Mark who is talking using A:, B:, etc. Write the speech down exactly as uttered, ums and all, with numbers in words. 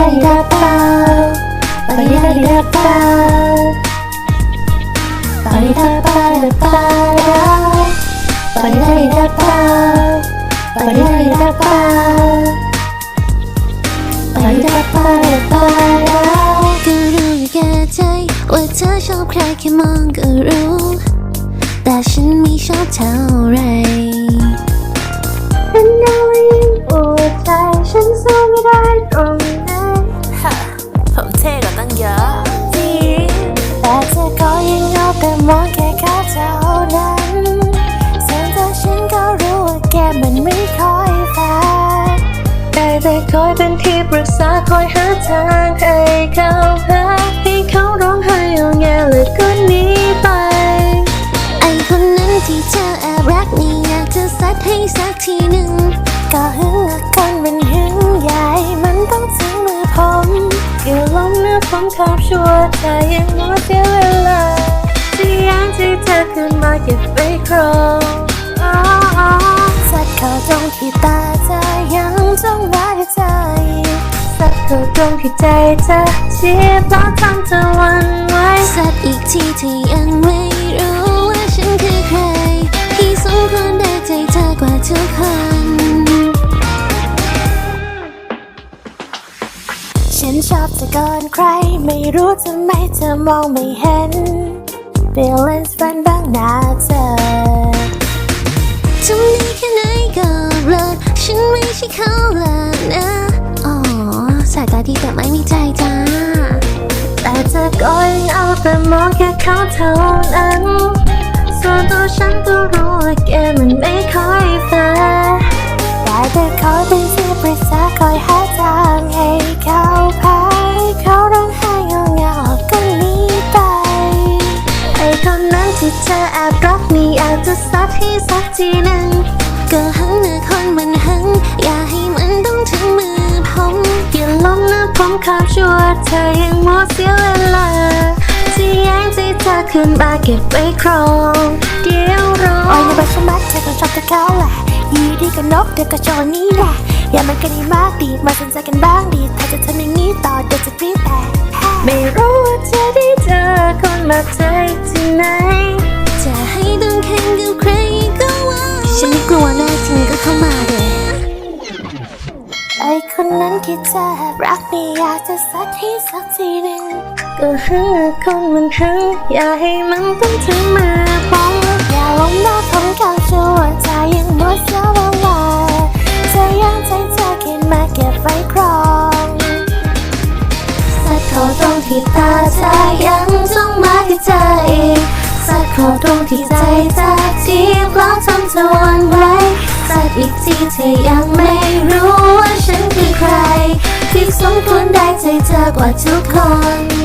A: ดีดาเปล่าปาดีดาดีดาเปล่าปาดีดาเปล่าเปล่าปาดีดาดีดาเปล่าปาดีดาดีดาเปล่าปาดีดาเปล่าเปล่า
B: ก็รู้อยู่แก่ใจว่าเธอชอบใครแค่มองก็รู้แต่ฉันไม่ชอบเท่าไร
A: เป็นดาวยิ่งปวดใจฉันสู้ไม่ได้ตรงนั้น
B: ผมเท่กว่าตั้งเยอะ
A: จริงแต่เธอก็ยังเอาแต่มองแค่เขาเท่านั้นส่วนตัวฉันก็รู้ว่าแกมันไม่ค่อยแฟร์ได้แต่คอยเป็นที่ปรึกษาคอยหาทางให้เขาพาให้เขาร้องไห้เอาแงเลยก็หนีไป
B: ไอคนนั้นที่เธอแอบรักนี่อยากจะซัดให้สักทีหนึ่ง
A: ก็หึงละคนมันหึงใหญ่มันต้องถึงมือผมอย่าล้มเนื้อผมขอบชัวร์แต่ยังมัวเสียเวลาที่ยังที่เธอขึ้นมาเก็บไว้ครองสัดเข้าตรงที่ตาเธอยังจ้องรักเธอสัดเข้าตรงที่ใจเธอเสียเพราะทำเธอหวั่นไหว
B: สัดอีกทีที่ยังไม่รู้ว่าฉันคือใครที่สมควรได้ใจเธอกว่าทุกคน
A: ฉันชอบเธอก่อนใครไม่รู้ทำไมเธอมองไม่เห็น Feelings ฝันบ้างนะเธอ
B: ทำดีแค่ไหนก็เลิศฉันไม่ใช่เขาแล้วนะอ๋อสายตาดีแต่ไม่มีใจจ้า
A: แต่เธอก็ยังเอาแต่มองแค่เขาเท่านั้นส่วนตัวฉันก็รู้ว่าแกมันไม่ค่อยแฟร์ได้แต่คอยเป็นที่ปรึกษาคอยหาทางให้เขาพาให้เขาร้องไห้เงาเงาก็หนีไปไอ้คนนั้นที่เธอแอบรักนี่อาจจะซัดให้สักทีหนึ่ง
B: ก็หังเนื้อคนมันหังอย่าให้มันต้องถึงมือผม
A: อย่าล้มนะผมขอบชัวร์เธอยังมัวเสียเวลาที่ยังที่เธอขึ้นมาเก็บไว้ครองเดี๋ยวรอโอ้ยในบัตรสมัครเธอก็ชอบแต่เขาแหละยีดีก็นกเธอก็ชอบนี้แหละอย่ามันกันดีมากดีมาสนใจกันบ้างดีถ้าจะทำอย่างนี้ต่อเดี๋ยวจะกรี๊ดแต่ไม่รู้ว่าเธอได้เจอคนแบบเธอที่ไหน
B: จะให้ต้องแข่งกับใครก็ว่าฉันไม่กลัวแน่จริงก็เข้ามาเด้
A: ไอคนนั้นที่เธอรักนี่อยากจะซัดให้สักทีหนึ่งก็หึงคนมันหึงอย่าให้มันต้องถึงมือผมอย่าล้มหน้าผมเขาชัวร์ใจยังมัวเสียเวลาเธอยังใจเธอคิดมาเก็บไว้ครองสัดเข้าตรงที่ตาเธอยังจ้องมาที่ใจสัดเข้าตรงที่ใจเธอที่เพราะทำเธอหวั่นไหวสัดอีกทีเธอยังไม่รู้ว่าฉันคือใครที่สมควรได้ใจเธอกว่าทุกคน